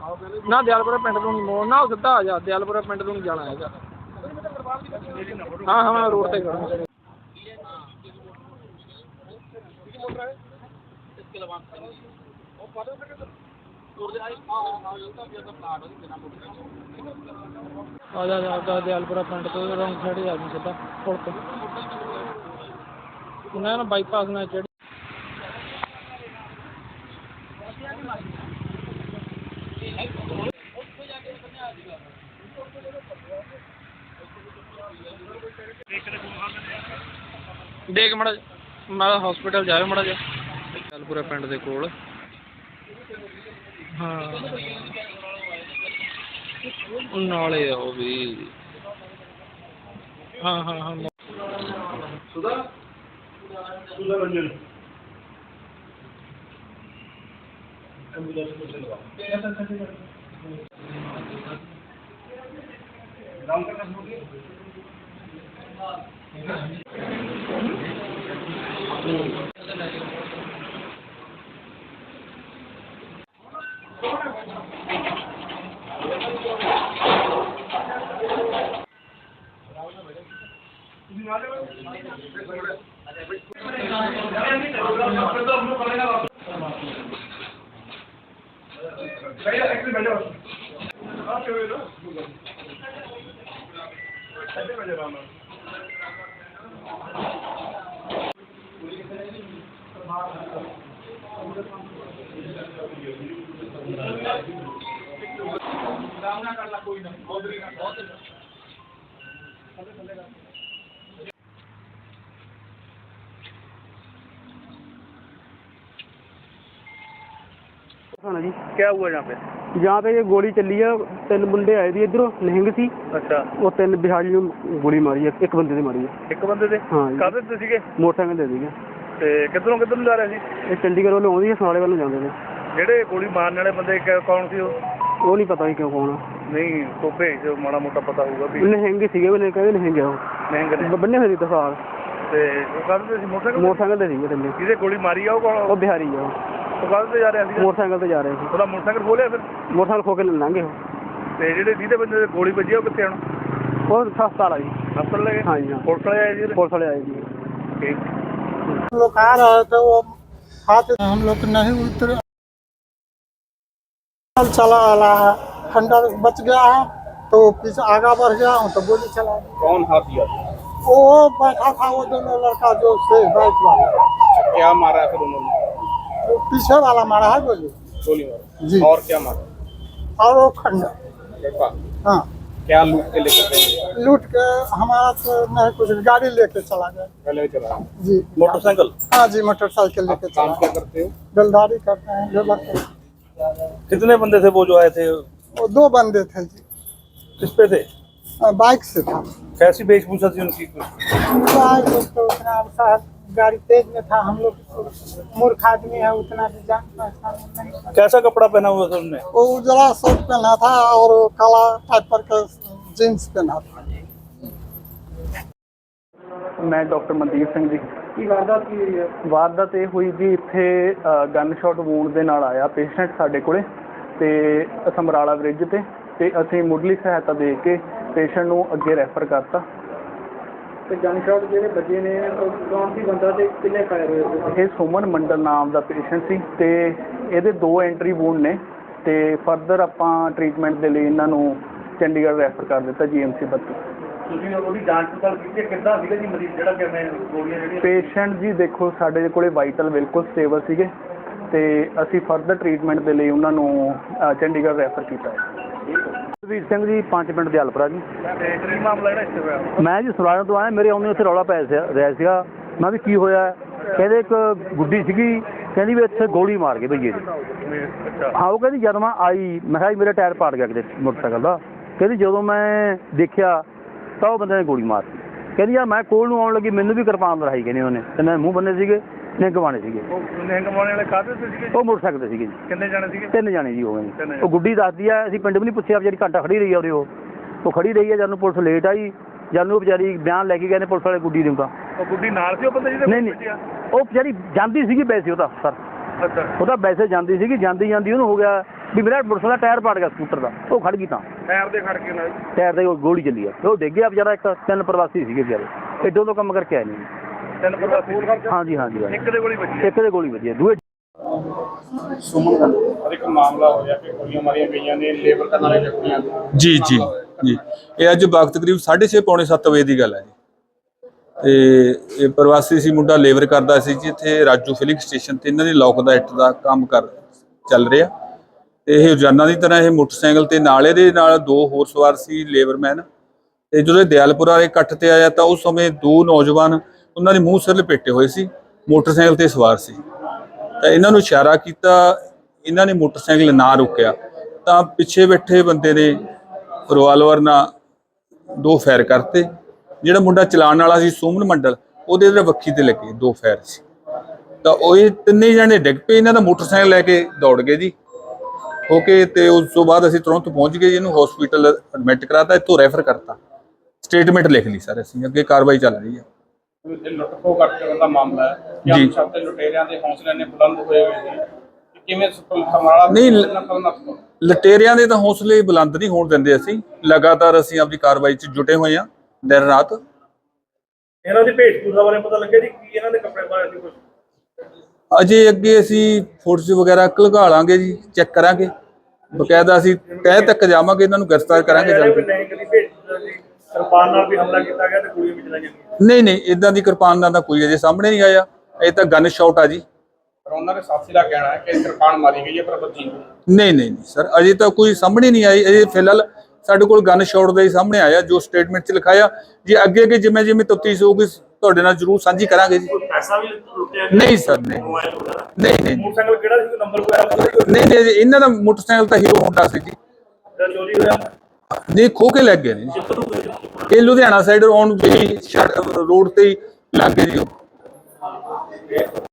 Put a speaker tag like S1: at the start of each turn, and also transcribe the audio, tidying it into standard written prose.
S1: ना दयालपुरा पिंड तो नहीं मोड़ ना सीधा आ जा दयालपुरा पिंड तो नहीं जाना है। हाँ हाँ मैं रोड से खड़ा आ दयालपुरा पिंड तो रंग साइड आ गई सीधा पुल तो ना बाईपास ना चढ़ी देख माड़ा मैं हॉस्पिटल जाए माड़ा जा दयालपुरा पिंड दे कोल। हाँ नाले आओ भी हाँ हाँ हाँ सुधा सुधा रंजन
S2: जी
S1: क्या हुआ
S2: यहाँ पे ये गोली चली है। 3 मुंडे आए थे इधरों निहंग सी।
S1: अच्छा
S2: वो 3 बिहारी गोली मारी है। एक बंदे ने मारी है।
S1: एक बंदे से
S2: हाँ
S1: काहदे ते सीगे
S2: मोटरसाइकिल दे दी
S1: ते किधरों किधर जा रहे सी
S2: ये चंडीगढ़ वालों आउंदी है समाले वालों जाते थे।
S1: ਜਿਹੜੇ ਗੋਲੀ ਮਾਰਨ ਵਾਲੇ ਬੰਦੇ ਕੌਣ ਸੀ
S2: वो नहीं पता ही क्यों कौन
S1: ਨਹੀਂ ਤੋਂ ਭੇਜ ਮਾੜਾ ਮੋਟਾ ਪਤਾ ਹੋਊਗਾ ਵੀ
S2: निहंग सीगे वो कहते निहंग है
S1: ਮਹਿੰਗੇ ਨੇ
S2: वो बन्ने हुए थे तसार
S1: ਤੇ ਉਹ ਕਾਹਦੇ ਸੀ
S2: मोटरसाइकिल दे सीगे थल्ले
S1: ਜਿਹਦੇ ਗੋਲੀ ਮਾਰੀ ਆ ਉਹ ਕੌਣ
S2: वो बिहारी है
S1: ਉਹ ਕਾਹਦੇ ਤੇ ਜਾ ਰਿਹਾ ਸੀ
S2: मोटरसाइकिल से जा रहे थे।
S1: ਉਹਦਾ ਮੋਟਰਸਾਈਕਲ ਖੋਲਿਆ ਫਿਰ
S2: मोटरसाइकिल खो के लंघे
S1: ਤੇ ਜਿਹੜੇ ਜਿਹਦੇ ਬੰਦੇ ਤੇ ਗੋਲੀ ਵੱਜੀ ਉਹ ਕਿੱਥੇ ਹੁਣ
S2: वो अस्पताल आई।
S1: ਹਸਪਤਾਲ ਲੈ ਗਏ
S2: हाँ जी हाँ
S1: ਪੁਲਿਸ ਵਾਲੇ ਆਏ ਜੀ
S2: पुलिस वाले आए जी।
S1: ठीक
S3: हम लोग आ रहे थे वो हाथ हम लोग नहीं उतरे चला वाला है खंडर बच गया है तो पीछे आगा बढ़ गया हूँ तो गोली चला दी।
S1: कौन हाथ दिया
S3: वो बैठा था वो दोनों लड़का जो से बाइक वाला
S1: क्या मारा फिर उन्होंने
S3: वो पीछे वाला मारा है गोली
S1: गोली मारा
S3: जी
S1: और क्या मारा
S3: और वो खंडर हाँ
S1: क्या लूट के लेकर गए
S3: लूट के हमारा तो नहीं कुछ गाड़ी लेके चला गया
S1: पहले चला
S3: जी
S1: मोटरसाइकिल
S3: हाँ जी मोटरसाइकिल लेके
S1: काम
S3: चला
S1: क्या करते हो
S3: बेलदारी करते हैं लेबर करते हैं।
S1: कितने बंदे थे वो जो आए थे
S3: वो 2 बंदे थे जी
S1: किस पे थे
S3: बाइक से था
S1: कैसी वेशभूषा थी उनकी
S3: तो उतना शायद गाड़ी तेज में था। हम लोग मूर्ख आदमी है उतना भी जान पहचान नहीं था।
S1: कैसा कपड़ा पहना हुआ था उनने
S3: वो उजला शर्ट पहना था और काला टाइप पर का जींस पहना था।
S2: मैं डॉक्टर मनदीप सिंह जी।
S1: की वारदात की हुई है
S2: ਵਾਰਦਾਤ ਇਹ ਹੋਈ ਜੀ ਇੱਥੇ ਗਨ ਸ਼ਾਟ ਵੂਨ ਦੇ ਨਾਲ ਆਇਆ ਪੇਸ਼ੈਂਟ ਸਾਡੇ ਕੋਲੇ ਤੇ ਸਮਰਾਲਾ ਬ੍ਰਿਜ ਤੇ ਅਸੀਂ ਮੁੱਢਲੀ ਸਹਾਇਤਾ ਦੇ ਕੇ ਪੇਸ਼ੈਂਟ ਨੂੰ ਅੱਗੇ ਰੈਫਰ ਕਰਤਾ।
S1: ਤੇ ਗਨ ਸ਼ਾਟ ਜਿਹੜੇ ਵੱਜੇ ਨੇ ਕੌਣ ਸੀ ਬੰਦਾ ਤੇ ਕਿੰਨੇ ਫਾਇਰ ਹੋਏ
S2: ਇਹ ਸੁਮਨ ਮੰਡਲ ਨਾਮ ਦਾ ਪੇਸ਼ੈਂਟ ਸੀ ਤੇ ਇਹਦੇ 2 ਐਂਟਰੀ ਵੂਨ ਨੇ ਤੇ ਫਰਦਰ ਆਪਾਂ ਟ੍ਰੀਟਮੈਂਟ ਦੇ ਲਈ ਇਹਨਾਂ ਨੂੰ ਚੰਡੀਗੜ੍ਹ ਰੈਫਰ ਕਰ ਦਿੱਤਾ GMC 32।
S1: ਤੁਸੀਂ ਉਹਦੀ ਜਾਂਚ ਪੜਤਾਲ ਕੀਤੀ ਕਿੱਦਾਂ ਸੀਗਾ ਜੀ ਮਰੀਜ਼ ਜਿਹੜਾ ਕਿਵੇਂ ਗੋਲੀਆਂ ਜਿਹੜੀਆਂ
S2: ਪੇਸ਼ੈਂਟ ਜੀ ਦੇਖੋ ਸਾਡੇ ਕੋਲੇ ਵਾਈਟਲ ਬਿਲਕੁਲ ਸਟੇਬਲ ਸੀਗੇ ਤੇ ਅਸੀਂ ਫਰਦਰ ਟ੍ਰੀਟਮੈਂਟ ਦੇ ਲਈ ਉਹਨਾਂ ਨੂੰ ਚੰਡੀਗੜ੍ਹ ਰੈਫਰ ਕੀਤਾ ਹੈ। ਵੀਰ ਸਿੰਘ ਜੀ 5 ਪਿੰਡ ਦਿਆਲਪੁਰਾ ਜੀ।
S1: ਤੇ ਕੀ ਮਾਮਲਾ ਜਿਹੜਾ ਇੱਥੇ ਹੋਇਆ
S2: ਮੈਂ ਜੀ ਸੁਰਾਣਾ ਤੋਂ ਆਇਆ ਮੇਰੇ ਆਉਂਦੇ ਉੱਥੇ ਰੌਲਾ ਪੈ ਰਿਹਾ ਸੀਗਾ। ਮੈਂ ਵੀ ਕੀ ਹੋਇਆ ਕਹਿੰਦੇ ਇੱਕ ਗੁੱਡੀ ਸੀਗੀ ਕਹਿੰਦੀ ਵੀ ਇੱਥੇ ਗੋਲੀ ਮਾਰ ਗਏ ਭਈਏ ਜੀ।
S1: ਅੱਛਾ
S2: ਹਾਂ ਉਹ ਕਹਿੰਦੀ ਜਦ ਮੈਂ ਆਈ ਮੈਂ ਕਿਹਾ ਮੇਰਾ ਟਾਇਰ ਪਾੜ ਗਿਆ ਕਿਤੇ ਮੋਟਰਸਾਈਕਲ ਦਾ। ਕਹਿੰਦੀ ਜਦੋਂ ਮੈਂ ਦੇਖਿਆ ਤਾਂ ਉਹ ਬੰਦੇ ਨੇ ਗੋਲੀ ਮਾਰਤੀ। ਕਹਿੰਦੀ ਯਾਰ ਮੈਂ ਕੋਲ ਨੂੰ ਆਉਣ ਲੱਗੀ ਮੈਨੂੰ ਵੀ ਕਿਰਪਾਨ ਲੜਾਈ ਕਹਿੰਦੇ ਉਹਨੇ ਤੇ ਮੈਂ ਮੂੰਹ ਬੰਨੇ ਸੀਗੇ ਨਿਹੰਗ ਬਾਣੇ ਸੀਗੇ।
S1: ਉਹ ਨਿਹੰਗ ਬਾਣੇ ਵਾਲੇ ਕਾਹਦੇ ਤੇ ਸੀਗੇ
S2: ਉਹ ਮੋਟਰਸਾਈਕਲ ਤੇ ਸੀਗੇ ਜੀ।
S1: ਕਿੰਨੇ ਜਾਣੇ ਸੀਗੇ
S2: 3 ਜਾਣੇ ਜੀ ਹੋ ਗਏ ਜੀ। ਉਹ ਗੁੱਡੀ ਦੱਸਦੀ ਆ ਅਸੀਂ ਪਿੰਡ ਵੀ ਨਹੀਂ ਪੁੱਛਿਆ ਵਿਚਾਰੀ ਘੰਟਾ ਖੜੀ ਰਹੀ ਆ ਉਹ ਖੜੀ ਰਹੀ ਆ ਜਦ ਨੂੰ ਪੁਲਿਸ ਲੇਟ ਆਈ ਜਦ ਨੂੰ ਉਹ ਵਿਚਾਰੀ ਬਿਆਨ ਲੈ ਕੇ ਗਏ ਨੇ ਪੁਲਿਸ ਵਾਲੇ ਗੁੱਡੀ ਦਿੰਦਾ।
S1: ਉਹ ਗੁੱਡੀ ਨਾਲ ਸੀ ਉਹ ਬੰਦੇ ਜਿਹਦੇ
S2: ਨਹੀਂ ਉਹ ਵਿਚਾਰੀ ਜਾਂਦੀ ਸੀਗੀ ਵੈਸੇ ਉਹਦਾ ਸਰ
S1: ਅੱਛਾ
S2: ਉਹਦਾ ਵੈਸੇ ਜਾਂਦੀ ਸੀਗੀ ਜਾਂਦੀ ਉਹਨੂੰ ਹੋ ਗਿਆ ਵੀ ਮੇਰਾ ਮੋਟਰਸਾਈਕਲ ਦਾ ਟਾਇਰ ਪਾੜ ਗਿਆ ਸਕੂਟਰ ਦਾ, ਉਹ ਖੜ ਗਈ ਤਾਂ
S4: ਟਾਇਰ ਦੇ ਖੜ ਕੇ ਨਾਲ
S2: ਟਾਇਰ ਤੇ ਗੋਲੀ ਚੱਲੀ ਆ, ਉਹ ਡਿੱਗ ਗਿਆ ਵਿਚਾਰਾ। ਇੱਕ 3 ਪ੍ਰਵਾਸੀ ਸੀਗੇ ਵਿਚਾਰੇ, ਐਡੋਂ ਤੋਂ ਕੰਮ ਕਰਕੇ ਆਏ ਨੇ।
S4: 3 ਪ੍ਰਵਾਸੀ
S2: ਹਾਂਜੀ ਹਾਂਜੀ
S4: ਇੱਕ ਦੇ ਗੋਲੀ ਵੱਜੀ
S2: ਇੱਕ ਦੇ ਗੋਲੀ ਵੱਜੀ ਆ, ਦੂਏ
S4: ਸੁਮਨ ਦਾ ਇੱਕ ਮਾਮਲਾ ਹੋਇਆ ਕਿ ਗੋਲੀਆਂ ਮਾਰੀਆਂ ਗਈਆਂ ਨੇ ਲੇਬਰ ਕਰਨ ਵਾਲੇ ਜ਼ਖਮੀਆਂ
S5: ਜੀ ਜੀ ਜੀ ਇਹ ਅੱਜ ਵਕਤ ਕਰੀਬ 6:30 ਪੌਣੇ 7 ਵਜੇ ਦੀ ਗੱਲ ਹੈ ਜੀ। ਤੇ ਇਹ ਪ੍ਰਵਾਸੀ ਸੀ ਮੁੰਡਾ, ਲੇਬਰ ਕਰਦਾ ਸੀ ਜੀ ਇੱਥੇ ਰਾਜੂ ਫਿਲਿੰਗ ਸਟੇਸ਼ਨ ਤੇ। ਇਹਨਾਂ ਦੀ ਲੋਕ ਦਾ ਇੱਟ ਦਾ ਕੰਮ ਚੱਲ ਰਿਹਾ ਤੇ ਇਹ ਰੋਜ਼ਾਨਾ ਦੀ ਤਰ੍ਹਾਂ ਇਹ ਮੋਟਰਸਾਈਕਲ ਤੇ ਨਾਲ ਇਹਦੇ ਨਾਲ 2 ਹੋਰ ਸਵਾਰ ਸੀ ਲੇਬਰਮੈਨ। ਤੇ ਜਦੋਂ ਇਹ ਦਿਆਲਪੁਰਾ ਵਾਲੇ ਇਕੱਠ ਤੇ ਆਇਆ ਤਾਂ ਉਸ ਸਮੇਂ 2 ਨੌਜਵਾਨ ਉਹਨਾਂ ਦੇ ਮੂੰਹ ਸਿਰ ਲਪੇਟੇ ਹੋਏ ਸੀ, ਮੋਟਰਸਾਈਕਲ ਤੇ ਸਵਾਰ ਸੀ। ਤਾਂ ਇਹਨਾਂ ਨੂੰ ਇਸ਼ਾਰਾ ਕੀਤਾ, ਇਹਨਾਂ ਨੇ ਮੋਟਰਸਾਈਕਲ ਨਾ ਰੋਕਿਆ ਤਾਂ ਪਿੱਛੇ ਬੈਠੇ ਬੰਦੇ ਨੇ ਰਿਵਾਲਵਰ ਨਾਲ 2 ਫਾਇਰ ਕਰਤੇ। ਜਿਹੜਾ ਮੁੰਡਾ ਚਲਾਉਣ ਵਾਲਾ ਸੀ ਸੁਮਨ ਮੰਡਲ, ਉਹਦੇ ਤੇ ਵੱਖੀ ਤੇ ਲੱਗੇ 2 ਫਾਇਰ ਸੀ। ਤਾਂ ਉਹ ਇਹ 3 ਜਣੇ ਡਿੱਗ ਪਏ, ਇਹਨਾਂ ਦਾ ਮੋਟਰਸਾਈਕਲ ਲੈ ਕੇ ਦੌੜ ਗਏ ਜੀ ਹੋ ਕੇ। ਤੇ ਉਸ ਤੋਂ ਬਾਅਦ ਅਸੀਂ ਤੁਰੰਤ ਪਹੁੰਚ ਗਏ, ਇਹਨੂੰ ਹਸਪੀਟਲ ਐਡਮਿਟ ਕਰਾਤਾ, ਇੱਥੋਂ ਰੈਫਰ ਕਰਤਾ, ਸਟੇਟਮੈਂਟ ਲਿਖ ਲਈ ਸਰ ਅਸੀਂ, ਅੱਗੇ ਕਾਰਵਾਈ ਚੱਲ ਰਹੀ ਹੈ।
S4: ਇਹ ਲੁੱਟ-ਖੋਹ ਕਰਨ ਦਾ ਮਾਮਲਾ ਹੈ ਕਿ
S5: ਜੀ।
S4: ਅਨਸ਼ਕਤੇ ਲੁਟੇਰਿਆਂ ਦੇ ਹੌਸਲੇ ਨੇ ਬੁਲੰਦ ਹੋਏ ਹੋਏ ਨੇ ਕਿ ਕਿਵੇਂ ਸਮਰਾਲਾ
S5: ਨਹੀਂ, ਲਟੇਰਿਆਂ ਦੇ ਤਾਂ ਹੌਸਲੇ ਬੁਲੰਦ ਨਹੀਂ ਹੋਣ ਦਿੰਦੇ ਅਸੀਂ। ਲਗਾਤਾਰ ਅਸੀਂ ਆਪਣੀ ਕਾਰਵਾਈ 'ਚ ਜੁਟੇ ਹੋਏ ਹਾਂ ਦਿਨ ਰਾਤ।
S4: ਇਹਨਾਂ ਦੀ ਭੇਟਪੂਰਾ ਬਾਰੇ ਪਤਾ ਲੱਗਿਆ ਜੀ ਕੀ ਇਹਨਾਂ ਦੇ ਕੱਪੜੇ ਪਾਏ ਸੀ ਕੁਝ?
S5: ਅਜੇ ਅੱਗੇ ਅਸੀਂ ਫੋਟੋਸ ਵਗੈਰਾ ਘਲਗਾ ਲਾਂਗੇ ਜੀ, ਚੈੱਕ ਕਰਾਂਗੇ ਬਕਾਇਦਾ। ਅਸੀਂ ਤਹਿ ਤੱਕ ਜਾਵਾਂਗੇ, ਇਹਨਾਂ ਨੂੰ ਗ੍ਰਿਫਤਾਰ ਕਰਾਂਗੇ ਜਲਦੀ।
S4: ਨਹੀਂ ਕਦੀ ਭੇਟਪੂਰਾ ਜੀ ਕਿਰਪਾਨ ਨਾਲ ਵੀ ਹਮਲਾ ਕੀਤਾ ਗਿਆ ਤੇ ਗੋਲੀਆਂ ਵੀ ਚਲਾਈਆਂ ਗਈਆਂ।
S5: ਨਹੀਂ ਨਹੀਂ, ਇਦਾਂ ਦੀ ਕਿਰਪਾਨ ਦਾ ਤਾਂ ਕੋਈ ਅਜੇ ਸਾਹਮਣੇ ਨਹੀਂ ਆਇਆ, ਇਹ ਤਾਂ ਗਨ ਸ਼ਾਟ ਆ ਜੀ।
S4: ਪਰ ਉਹਨਾਂ ਦੇ ਸਾਥੀ ਦਾ ਕਹਿਣਾ ਹੈ ਕਿ ਕਿਰਪਾਨ ਮਾਰੀ ਗਈ ਹੈ ਪਰ ਬੱਚੀ ਨੂੰ।
S5: ਨਹੀਂ ਨਹੀਂ ਨਹੀਂ ਸਰ, ਅਜੇ ਤਾਂ ਕੋਈ ਸਾਹਮਣੇ ਨਹੀਂ ਆਈ। ਅਜੇ ਫਿਲਹਾਲ ਸਾਡੇ ਕੋਲ ਗਨ ਸ਼ਾਟ ਦਾ ਹੀ ਸਾਹਮਣੇ ਆਇਆ, ਜੋ ਸਟੇਟਮੈਂਟ 'ਚ ਲਿਖਾਇਆ। ਜੇ ਅੱਗੇ ਅੱਗੇ ਜਿਵੇਂ ਜਿਵੇਂ ਤਫਤੀਸ਼ ਹੋਊਗੀ ਤੁਹਾਡੇ ਨਾਲ ਜ਼ਰੂਰ ਸਾਂਝੀ ਕਰਾਂਗੇ ਜੀ।
S4: ਪੈਸਾ ਵੀ ਲੁੱਟਿਆ
S5: ਨਹੀਂ ਸਰ, ਨਹੀਂ ਨਹੀਂ
S4: ਮੋਟਰਸਾਈਕਲ ਕਿਹੜਾ ਸੀ, ਨੰਬਰ ਕੋਈ
S5: ਨਹੀਂ ਨਹੀਂ, ਇਹਨਾਂ ਦਾ ਮੋਟਰਸਾਈਕਲ ਤਾਂ ਹੀਰੋ ਹੋਂਡਾ ਸੀ ਜੀ।
S4: ਚੋਰੀ ਹੋਇਆ
S5: ਨਹੀਂ, ਖੋ ਕੇ ਲੱਗ ਗਏ ਨੇ ਜੀ। ਇਹ ਲੁਧਿਆਣਾ ਸਾਈਡ ਆਉਣ ਦੀ ਰੋਡ ਤੇ ਹੀ ਲੱਗ ਗਏ ਜੀ ਉਹ।